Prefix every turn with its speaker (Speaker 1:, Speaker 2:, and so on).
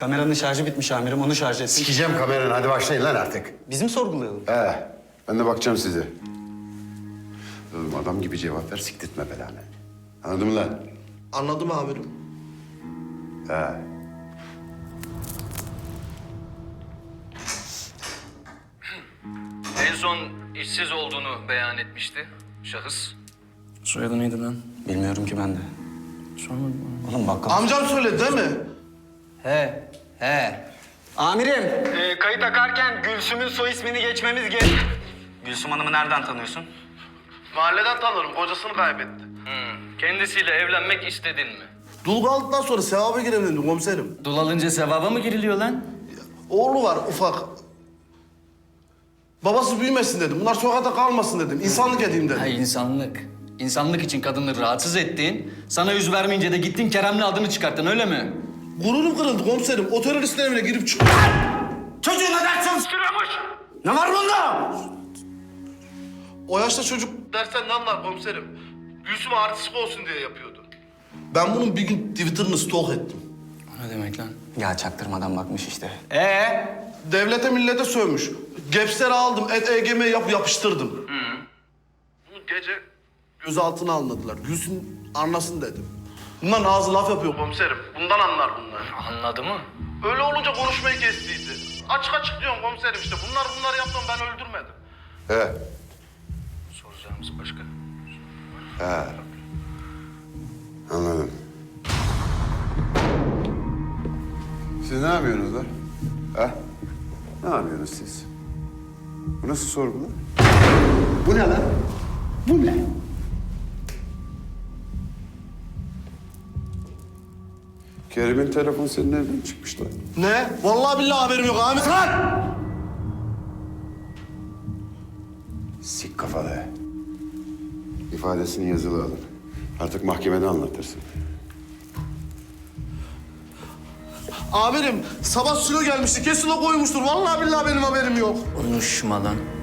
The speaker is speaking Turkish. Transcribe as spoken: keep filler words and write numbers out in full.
Speaker 1: Kameranın şarjı bitmiş amirim, onu şarj etsin.
Speaker 2: Sikeceğim kameranı, hadi başlayın lan artık.
Speaker 1: Bizim sorgulayalım.
Speaker 2: He, ben de bakacağım size. Oğlum adam gibi cevap ver, siktirtme belanı. Anladın mı lan?
Speaker 3: Anladım amirim.
Speaker 2: He.
Speaker 4: En son işsiz olduğunu beyan etmişti şahıs.
Speaker 5: Soyadı neydi lan?
Speaker 1: Bilmiyorum ki ben de.
Speaker 5: Sormadım mı?
Speaker 1: Oğlum bakkal.
Speaker 3: Amcam söyledi değil mi?
Speaker 5: He, he.
Speaker 1: Amirim. Ee, kayıt akarken Gülsüm'ün soy ismini geçmemiz gerek. Gülsüm Hanım'ı nereden tanıyorsun?
Speaker 3: Mahalleden tanırım. Kocasını kaybetti.
Speaker 4: Hmm. Kendisiyle evlenmek istedin mi?
Speaker 3: Dul kaldıktan sonra sevaba gireyim dedim komiserim.
Speaker 5: Dul alınca sevaba mı giriliyor lan?
Speaker 3: Oğlu var ufak. Babası büyümesin dedim. Bunlar sokakta kalmasın dedim. İnsanlık edeyim dedim.
Speaker 5: Ha insanlık. İnsanlık için kadını rahatsız ettin. Sana yüz vermeyince de gittin Kerem'le adını çıkarttın öyle mi?
Speaker 3: Gururum kırıldı komiserim. O teröristler evine girip çık...
Speaker 1: Çocuğu neden çalıştırıyormuş? Ne var bunda?
Speaker 3: O yaşta çocuk dersen ne anlar komiserim? Gülsüm artistik olsun diye yapıyordu. Ben bunun bir gün Twitter'ını stalk ettim.
Speaker 5: O ne demek lan?
Speaker 1: Ya çaktırmadan bakmış işte.
Speaker 5: Ee?
Speaker 3: Devlete millete sövmüş. Gepsleri aldım, et E G M yap yapıştırdım. Hı. Bunu gece gözaltına almadılar. Gülsün anlasın dedim. Bunların ağzı laf yapıyor komiserim. Bundan anlar bunlar.
Speaker 4: Anladı mı?
Speaker 3: Öyle olunca konuşmayı kestiydi. Açık açık diyorum komiserim işte. Bunlar bunları yaptım ben öldürmedim.
Speaker 2: He.
Speaker 4: Soracağımız başka.
Speaker 2: He. Anladım. Siz ne yapıyorsunuz lan? Ha? Ne yapıyorsunuz siz? Bu nasıl sorgu lan? Bu ne lan? Bu ne? Kerim'in telefonu senin evden çıkmış lan.
Speaker 3: Ne? Vallahi billahi haberim yok Ahmet lan!
Speaker 2: Sik kafalı. İfadesini yazılı alın. Artık mahkemede anlatırsın.
Speaker 3: Amirim sabah silo gelmişti. Kesin o koymuştur. Vallahi billahi benim haberim yok.
Speaker 5: Konuşma lan.